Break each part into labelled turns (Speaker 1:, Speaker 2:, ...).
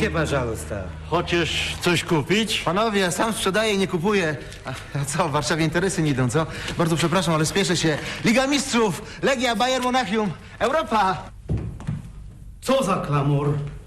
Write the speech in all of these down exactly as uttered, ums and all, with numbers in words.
Speaker 1: Idzie, пожалуйста.
Speaker 2: Хочesz coś kupić?
Speaker 3: Panowie, ja sam sprzedaję i nie kupuję. A, a co, w Warszawie interesy nie idą, co? Bardzo przepraszam, ale spieszę się. Liga Mistrzów, Legia, Bayern Monachium, Europa!
Speaker 4: Co za klamor?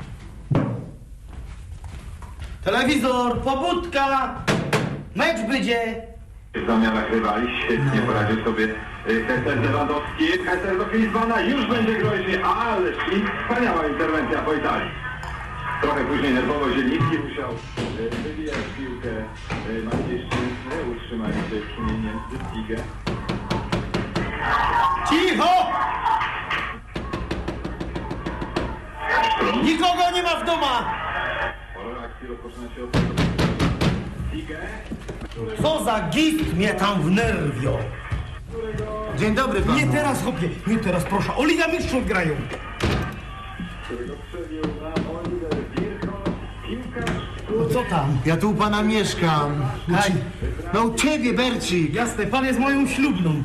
Speaker 4: Telewizor, pobudka! Mecz będzie!
Speaker 5: W zamianach rywali świetnie poradził sobie Hester Lewandowski. Hester do Klinsmana, już będzie groźnie, ależ i wspaniała interwencja po Italii. Trochę później nerwowo Zieliński musiał e, wywijać piłkę e, Maciejszczyzny, utrzymali się przy niej Niemcy, Tigę.
Speaker 4: Cicho! Nikogo nie ma w domu!
Speaker 5: Pora akcji rozpoczyna się od tego Tigę.
Speaker 4: Co za gist mnie tam wnerwio!
Speaker 3: Dzień dobry panu.
Speaker 4: Nie teraz, chłopie, nie teraz, proszę. O Liga Mistrzów grają!
Speaker 5: Którego przebił na Oliver Bierhoff. Piłkarz,
Speaker 4: No co tam?
Speaker 3: Ja tu u pana mieszkam.
Speaker 4: Daj.
Speaker 3: No u ciebie, Bercik.
Speaker 4: Jasne, pan jest moją ślubną.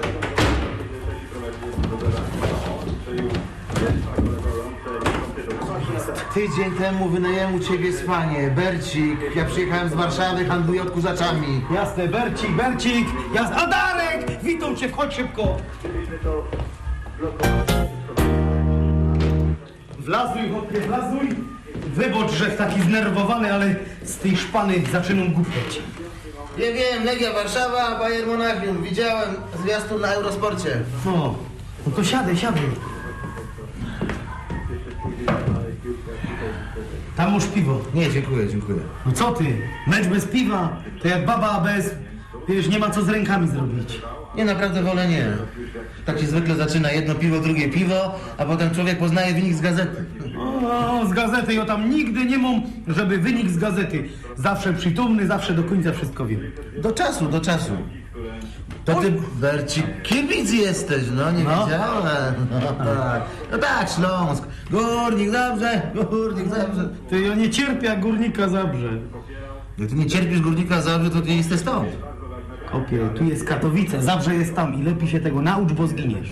Speaker 3: Tydzień temu wynajęłem u ciebie spanie. Bercik, ja przyjechałem z Warszawy, handluję odkurzaczami.
Speaker 4: Jasne, Bercik, Bercik! Jasne, a Darek! Witam cię, wchodź szybko! Wlazuj, chłopie, wlazuj! Wybacz, że taki znerwowany, ale z tej szpany zaczynam głupieć.
Speaker 3: Ja wiem, Legia Warszawa, Bayern Monachium. Widziałem zwiastun na Eurosporcie.
Speaker 4: No, no to siadaj, siadaj. Tam masz piwo.
Speaker 3: Nie, dziękuję, dziękuję.
Speaker 4: No co ty? Mecz bez piwa? To jak baba bez... Wiesz, nie ma co z rękami zrobić.
Speaker 3: Nie, naprawdę wolę nie. Tak się zwykle zaczyna, jedno piwo, drugie piwo, a potem człowiek poznaje wynik z gazety.
Speaker 4: O, z gazety, ja tam nigdy nie mam, żeby wynik z gazety. Zawsze przytomny, zawsze do końca wszystko wiem.
Speaker 3: Do czasu, do czasu. To ty, Bercik, kibic jesteś, no nie
Speaker 4: No.
Speaker 3: wiedziałem. No tak, no tak, Śląsk. Górnik, dobrze, górnik, dobrze.
Speaker 4: Ty, ja nie cierpię, jak Górnika Zabrze.
Speaker 3: Jak ty nie cierpisz Górnika Zabrze, to nie jesteś stąd.
Speaker 4: Kopie, tu jest Katowice, Zabrze jest tam i lepiej się tego naucz, bo zginiesz.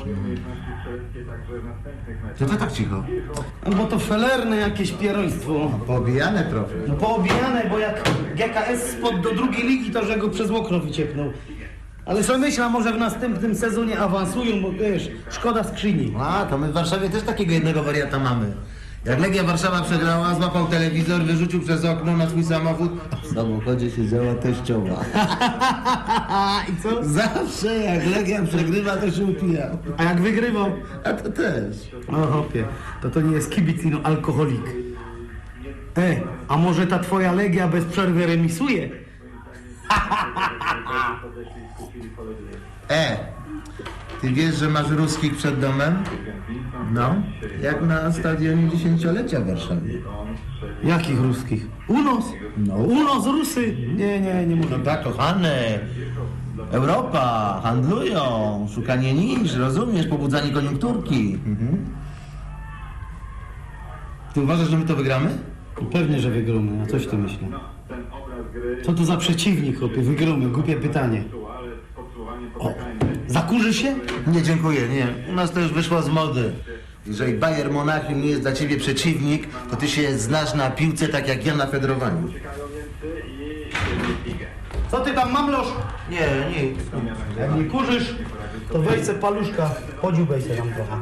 Speaker 3: To to tak cicho.
Speaker 4: No bo to felerne jakieś pieroństwo.
Speaker 3: Pobijane trochę.
Speaker 4: No poobijane, bo jak G K S spadł do drugiej ligi, to że go przez okno wycieknął. Ale co myślę, może w następnym sezonie awansują, bo wiesz, szkoda skrzyni.
Speaker 3: A, to my w Warszawie też takiego jednego wariata mamy. Jak Legia Warszawa przegrała, złapał telewizor, wyrzucił przez okno na swój samochód, a w samochodzie siedziała teściowa.
Speaker 4: I co?
Speaker 3: Zawsze jak Legia przegrywa, to się upija.
Speaker 4: A jak wygrywał?
Speaker 3: A to też.
Speaker 4: O hopie, to to nie jest kibic, no alkoholik. E, a może ta twoja Legia bez przerwy remisuje?
Speaker 3: E, ty wiesz, że masz ruskich przed domem? No, jak na stadionie dziesięciolecia w Warszawie.
Speaker 4: Jakich ruskich? Unos?
Speaker 3: No.
Speaker 4: Unos, Rusy? Nie, nie, nie
Speaker 3: No
Speaker 4: mówię.
Speaker 3: tak, kochany. Europa, handlują, szukanie nisz, rozumiesz, pobudzanie koniunkturki. Mhm. Ty uważasz, że my to wygramy?
Speaker 4: Pewnie, że wygromy, a coś ty myślisz? Co to za przeciwnik, chłopie? Wygromy, głupie pytanie. O, zakurzy się?
Speaker 3: Nie, dziękuję, nie. U nas to już wyszło z mody. Jeżeli Bayern Monachium nie jest dla ciebie przeciwnik, to ty się znasz na piłce tak jak ja na federowaniu.
Speaker 4: Co ty tam mamlosz?
Speaker 3: Nie, nie.
Speaker 4: Jak nie kurzysz, to weź se paluszka, podziubaj se tam trochę.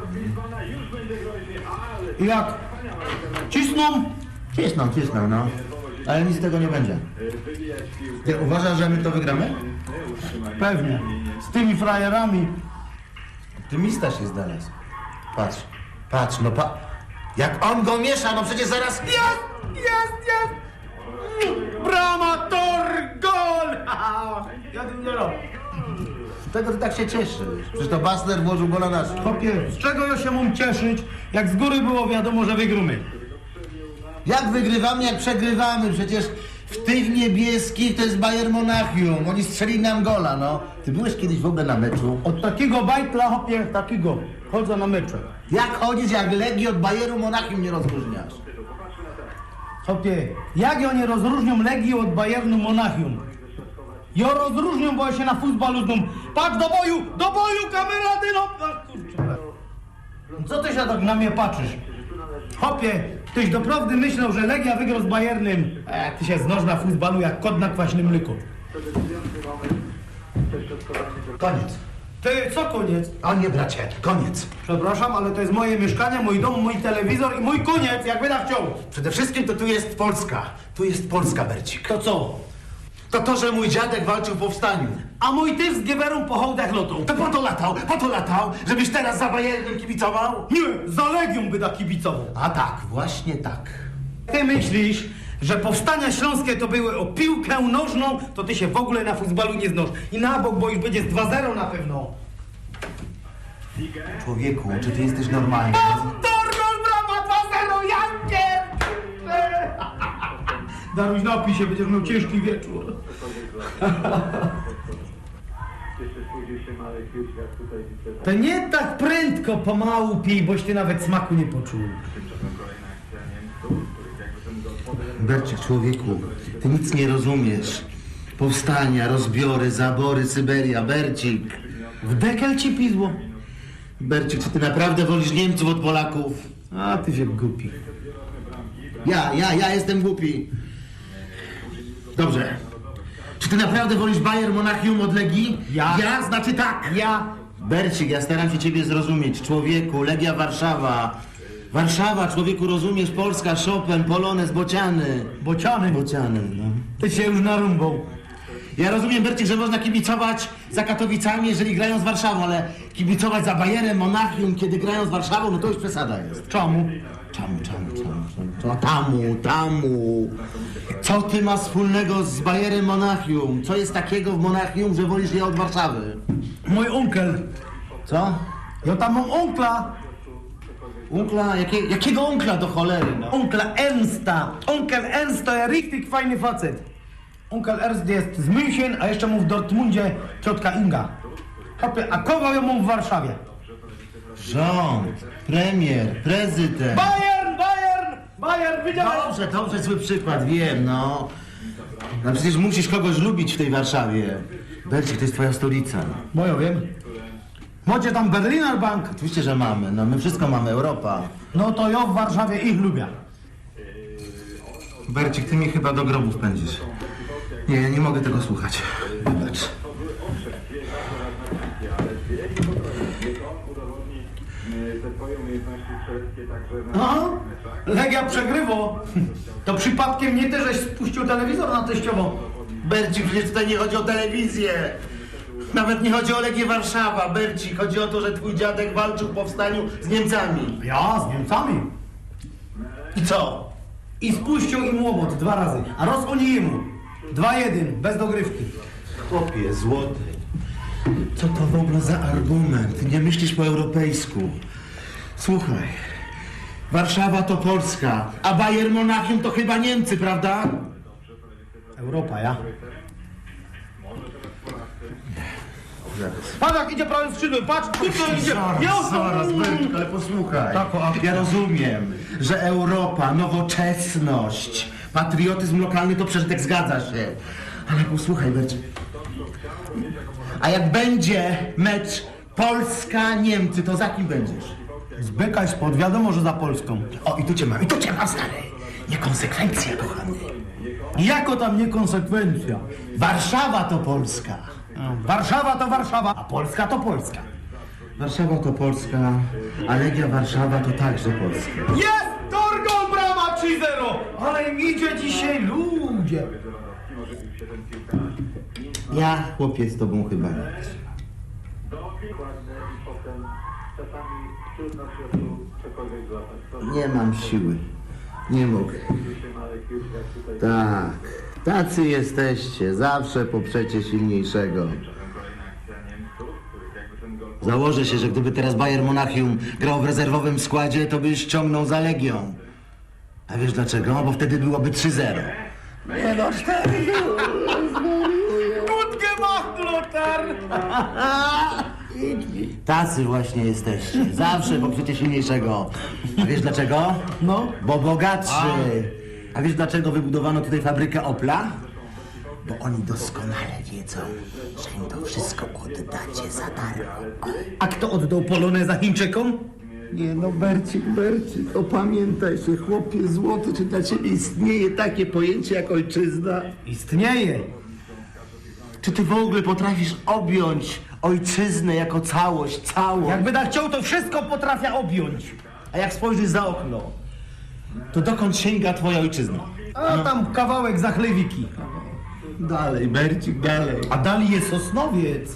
Speaker 4: I jak? Cisną?
Speaker 3: Cisną, cisną, no. Ale nic z tego nie będzie. Ty uważasz, że my to wygramy?
Speaker 4: Pewnie. Z tymi frajerami.
Speaker 3: Optymista się znalazł. Patrz, patrz, no pa... Jak on go miesza, no przecież zaraz...
Speaker 4: Jest, jest, jest! Brama, tor, gol! Ja tym nie robię.
Speaker 3: Z tego ty tak się cieszysz. Przecież to Basler włożył gola nasz.
Speaker 4: Chłopie, z czego ja się mam cieszyć, jak z góry było wiadomo, że wygrumy?
Speaker 3: Jak wygrywamy, jak przegrywamy? Przecież w tych niebieskich to jest Bayern Monachium. Oni strzelili nam gola, no. Ty byłeś kiedyś w ogóle na meczu?
Speaker 4: Od takiego bajtla, chłopie, takiego, chodzę na mecze.
Speaker 3: Jak chodzisz, jak Legii od Bayernu Monachium nie rozróżniasz?
Speaker 4: Chłopie, jak ja nie rozróżnią Legii od Bayernu Monachium? Ja rozróżnią, bo ja się na futbolu znam. Patrz do boju, do boju, kamera, ty no! A, kurczę. Co ty się tak na mnie patrzysz? Chłopie, Ktoś doprawdy myślał, że Legia wygra z Bayernem, a jak ty się znasz na futbalu jak kot na kwaśnym mleku.
Speaker 3: Koniec.
Speaker 4: Ty, co koniec?
Speaker 3: O nie, bracie, koniec.
Speaker 4: Przepraszam, ale to jest moje mieszkanie, mój dom, mój telewizor i mój koniec, jak będę chciał.
Speaker 3: Przede wszystkim to tu jest Polska. Tu jest Polska, Bercik.
Speaker 4: To co?
Speaker 3: To to, że mój dziadek walczył w powstaniu.
Speaker 4: A mój też z Giewerą po hołdach lotą.
Speaker 3: To po to latał, po to latał, żebyś teraz za Bayernem kibicował?
Speaker 4: Nie, za Legią by da kibicował.
Speaker 3: A tak, właśnie tak.
Speaker 4: Ty myślisz, że powstania śląskie to były o piłkę nożną, to ty się w ogóle na futbalu nie znasz. I na bok, bo już będzie z dwa zero na pewno.
Speaker 3: Człowieku, czy ty jesteś normalny?
Speaker 4: Torgol brama dwa zero, Jankier! Daruś, napij się, będziesz miał ciężki wieczór. To nie tak prędko, pomału pij, boś ty nawet smaku nie poczuł.
Speaker 3: Bercik, człowieku, ty nic nie rozumiesz. Powstania, rozbiory, zabory, Syberia, Bercik.
Speaker 4: W dekel ci pizło.
Speaker 3: Bercik, czy ty naprawdę wolisz Niemców od Polaków?
Speaker 4: A ty się głupi.
Speaker 3: Ja, ja, ja jestem głupi. Dobrze. Czy ty naprawdę wolisz Bayern Monachium od Legii?
Speaker 4: Ja.
Speaker 3: Ja, znaczy tak.
Speaker 4: Ja.
Speaker 3: Bercik, ja staram się ciebie zrozumieć. Człowieku, Legia Warszawa. Warszawa, człowieku, rozumiesz? Polska, Chopin, Polonez, Bociany.
Speaker 4: Bociany.
Speaker 3: Bociany, no.
Speaker 4: Ty się już narąbał.
Speaker 3: Ja rozumiem, Bercik, że można kibicować za Katowicami, jeżeli grają z Warszawą, ale kibicować za Bayerem Monachium, kiedy grają z Warszawą, no to już przesada jest.
Speaker 4: Czemu?
Speaker 3: Czemu, czemu, czemu, czemu? Tamu, tamu. Co ty ma wspólnego z Bayerem Monachium? Co jest takiego w Monachium, że wolisz je od Warszawy?
Speaker 4: Mój onkel.
Speaker 3: Co?
Speaker 4: Ja tam mam onkla.
Speaker 3: Unkla? Jakie, jakiego unkla do cholery, no?
Speaker 4: Onkla Ernsta. Onkel Ernst to jest richtig fajny facet. Onkel Ernst jest z München, a jeszcze mu w Dortmundzie ciotka Inga. Hopie, a kogo ja mam w Warszawie?
Speaker 3: Rząd, premier, prezydent.
Speaker 4: Bayern, Bayern, Bayern, widziałeś?
Speaker 3: Dobrze, dobrze, zły przykład, wiem, no. No przecież musisz kogoś lubić w tej Warszawie. Bercik, to jest twoja stolica.
Speaker 4: Bo ja wiem. Macie tam Berliner Bank.
Speaker 3: Oczywiście, że mamy, no my wszystko mamy, Europa.
Speaker 4: No to ja w Warszawie ich lubię.
Speaker 3: Bercik, ty mnie chyba do grobów pędzisz. Nie, ja nie mogę tego słuchać. Wybacz.
Speaker 4: Aha, Legia przegrywo. To przypadkiem nie ty, żeś spuścił telewizor na teściową.
Speaker 3: Bercik, przecież tutaj nie chodzi o telewizję. Nawet nie chodzi o Legię Warszawa, Bercik. Chodzi o to, że twój dziadek walczył w powstaniu z Niemcami.
Speaker 4: Ja, z Niemcami.
Speaker 3: I co?
Speaker 4: I spuścił im łomot dwa razy, a roz oni jemu. Dwa jeden, bez dogrywki.
Speaker 3: Chłopie, złoty. Co to w ogóle za argument? Nie myślisz po europejsku. Słuchaj. Warszawa to Polska, a Bayern Monachium to chyba Niemcy, prawda?
Speaker 4: Europa, ja. Patrz jak idzie prawym skrzydłem, patrz, kurczę idzie.
Speaker 3: Zaraz, zaraz, Bercik, ale posłuchaj.
Speaker 4: Tak, o,
Speaker 3: Ja rozumiem, że Europa, nowoczesność, patriotyzm lokalny to przeżytek, zgadza się. Ale posłuchaj, Bercik. A jak będzie mecz Polska-Niemcy, to za kim będziesz?
Speaker 4: Zbykaj spod, wiadomo, że za Polską.
Speaker 3: O, i tu cię mam, i tu cię mam, stary. Niekonsekwencja, kochany.
Speaker 4: Jako tam niekonsekwencja?
Speaker 3: Warszawa to Polska.
Speaker 4: Warszawa to Warszawa, a Polska to Polska.
Speaker 3: Warszawa to Polska, a Legia Warszawa to także Polska.
Speaker 4: Jest! Torgol brama trzy zero! Ale im idzie dzisiaj ludzie.
Speaker 3: Ja, chłopie, z tobą chyba nie. Nie mam siły. Nie mogę. Tak. Tacy jesteście. Zawsze poprzecie silniejszego. Założę się, że gdyby teraz Bayern Monachium grał w rezerwowym składzie, to byś ściągnął za Legią. A wiesz dlaczego? Bo wtedy byłoby trzy zero. Nie no, cztery.
Speaker 4: Kutkę macht, Lothar!
Speaker 3: Tacy właśnie jesteście. Zawsze poprzecie silniejszego. A wiesz dlaczego?
Speaker 4: No.
Speaker 3: Bo bogatszy. A wiesz dlaczego wybudowano tutaj fabrykę Opla? Bo oni doskonale wiedzą, że im to wszystko oddacie za darmo.
Speaker 4: A kto oddał Poloneza Chińczykom?
Speaker 3: Nie no, Bercik, Bercik, opamiętaj się, chłopie złoty, czy dla ciebie istnieje takie pojęcie jak ojczyzna?
Speaker 4: Istnieje.
Speaker 3: Czy ty w ogóle potrafisz objąć ojczyznę jako całość, całość?
Speaker 4: Jakby tak chciał, to wszystko potrafia objąć.
Speaker 3: A jak spojrzysz za okno, to dokąd sięga twoja ojczyzna?
Speaker 4: A tam kawałek zachlewiki.
Speaker 3: Dalej, Bercik, dalej.
Speaker 4: A dalej jest Sosnowiec.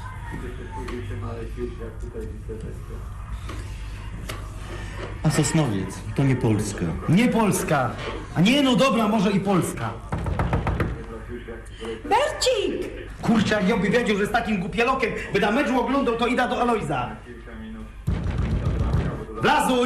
Speaker 3: A Sosnowiec to nie Polska.
Speaker 4: Nie Polska. A nie, no dobra, może i Polska.
Speaker 1: Bercik!
Speaker 4: Kurczę, jak ja by wiedział, że z takim głupielokiem by na meczu oglądał, to ida do Alojza. Blazuj!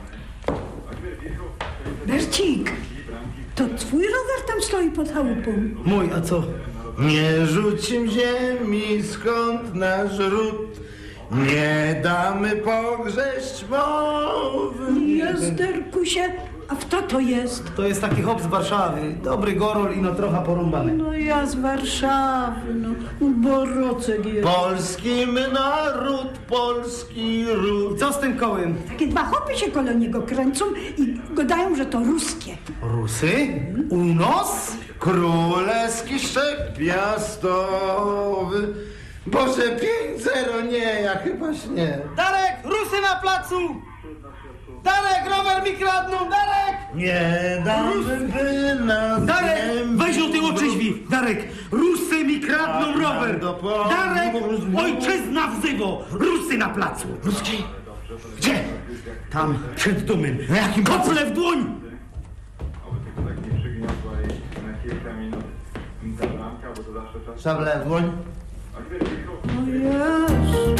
Speaker 1: Bercik! To twój rower tam stoi pod chałupą.
Speaker 4: Mój, a co?
Speaker 3: Nie rzucim ziemi, skąd nasz ród, nie damy pogrześć mowy.
Speaker 1: Jazderku się, a kto to jest?
Speaker 4: To jest taki hop z Warszawy. Dobry gorol i no trochę porąbany.
Speaker 1: No ja z Warszawy, no. Borocek jest.
Speaker 3: Polski my naród, polski ród.
Speaker 4: Co z tym kołem?
Speaker 1: Takie dwa chopy się koło niego kręcą i gadają, że to ruskie.
Speaker 4: Rusy? Unos?
Speaker 3: Królewski szczep piastowy. Boże, pięć zero, nie, ja chyba śnię.
Speaker 4: Darek, Rusy na placu! Darek, rower mi kradną, Darek!
Speaker 3: Nie damy by nas
Speaker 4: Darek,
Speaker 3: ziemi
Speaker 4: weź o tym oczyźwi! Darek, Rusy mi kradną
Speaker 3: Tak,
Speaker 4: rower!
Speaker 3: do pomocy.
Speaker 4: Darek, ojczyzna wzywo! Rusy na placu!
Speaker 3: Ruski? Gdzie?
Speaker 4: Tam, przed domem.
Speaker 3: Na jakim
Speaker 4: Kople w dłoń!
Speaker 5: Oby tylko tak nie przygniotła i na kilka minut ta bramka, bo to zawsze czas.
Speaker 3: Szable w dłoń.
Speaker 1: O Jezu.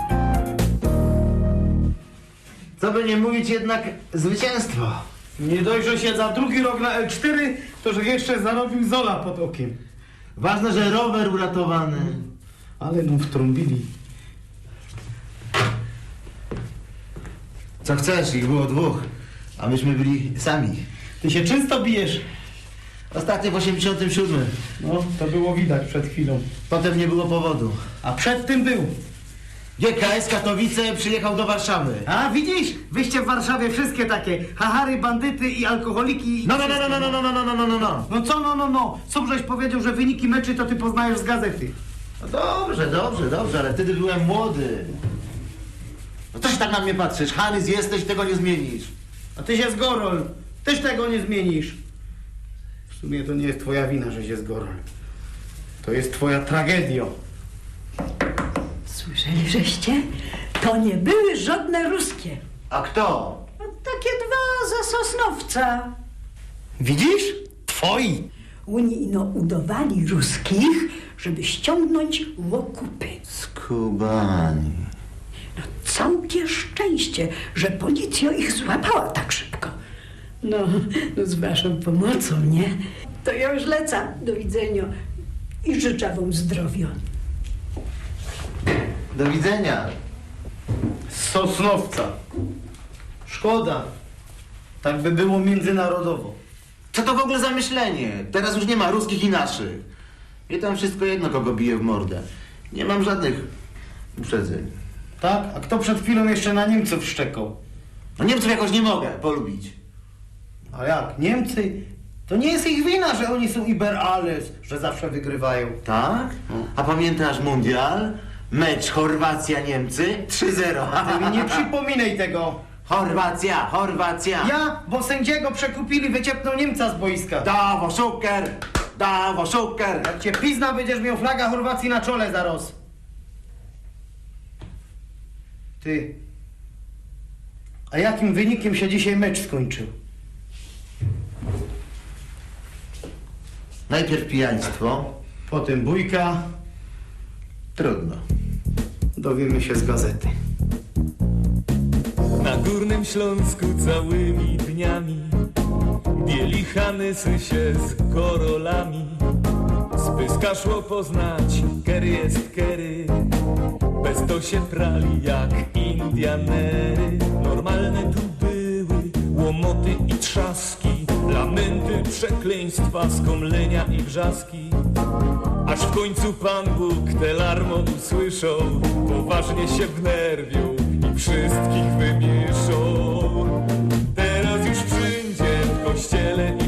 Speaker 3: Co by nie mówić, jednak zwycięstwo.
Speaker 4: Nie dość, że się za drugi rok na L cztery, to że jeszcze zarobił Zola pod okiem.
Speaker 3: Ważne, że rower uratowany.
Speaker 4: Ale mu wtrąbili.
Speaker 3: Co chcesz, ich było dwóch, a myśmy byli sami.
Speaker 4: Ty się czysto bijesz.
Speaker 3: Ostatnio w osiemdziesiątym siódmym.
Speaker 4: No, to było widać przed chwilą.
Speaker 3: Potem nie było powodu.
Speaker 4: A przed tym był.
Speaker 3: G K S Katowice przyjechał do Warszawy.
Speaker 4: A widzisz, wyście w Warszawie wszystkie takie hahary, bandyty i alkoholiki. I
Speaker 3: No, no, no, no, no, no, no, no, no, no, no, no.
Speaker 4: No co no, no, no. Co żeś powiedział, że wyniki meczy to ty poznajesz z gazety.
Speaker 3: No dobrze, dobrze, dobrze, ale wtedy byłem młody. No co się tak na mnie patrzysz? Hanys jesteś, tego nie zmienisz.
Speaker 4: A ty się z Gorol. Też tego nie zmienisz. W sumie to nie jest twoja wina, że się z Gorol. To jest twoja tragedia.
Speaker 1: Słyszeli żeście? To nie były żadne ruskie.
Speaker 3: A kto?
Speaker 1: No, takie dwa ze Sosnowca.
Speaker 4: Widzisz? Twoi.
Speaker 1: Oni no udawali ruskich, żeby ściągnąć w okupy.
Speaker 3: Skubani.
Speaker 1: No całkie szczęście, że policja ich złapała tak szybko. No, no z waszą pomocą, nie? To ja już lecę. Do widzenia. I życzę wam zdrowia.
Speaker 3: Do widzenia.
Speaker 4: Z Sosnowca. Szkoda. Tak by było międzynarodowo.
Speaker 3: Co to w ogóle za myślenie? Teraz już nie ma ruskich i naszych. Mnie tam wszystko jedno, kogo bije w mordę. Nie mam żadnych uprzedzeń.
Speaker 4: Tak? A kto przed chwilą jeszcze na Niemców szczekał?
Speaker 3: No Niemców jakoś nie mogę polubić.
Speaker 4: A jak? Niemcy? To nie jest ich wina, że oni są über alles, że zawsze wygrywają.
Speaker 3: Tak? A pamiętasz mundial? Mecz Chorwacja-Niemcy? trzy zero.
Speaker 4: Ty mi nie przypominaj tego.
Speaker 3: Chorwacja, Chorwacja.
Speaker 4: Ja, bo sędziego przekupili, wyciepnął Niemca z boiska.
Speaker 3: Dawo szuker, dawo szuker.
Speaker 4: Jak cię pizna, będziesz miał flaga Chorwacji na czole zaraz. Ty. A jakim wynikiem się dzisiaj mecz skończył?
Speaker 3: Najpierw pijaństwo.
Speaker 4: Potem bójka.
Speaker 3: Trudno.
Speaker 4: Dowiemy się z gazety.
Speaker 6: Na Górnym Śląsku całymi dniami bieli Hanysy się z Korolami. Z Pyska szło poznać, kery jest kery, bez to się prali jak Indianery. Normalne tu były łomoty i trzaski, lamenty, przekleństwa, skomlenia i wrzaski. Aż w końcu Pan Bóg te larmo usłyszał, poważnie się wnerwił i wszystkich wymieszą. Teraz już wszędzie w kościele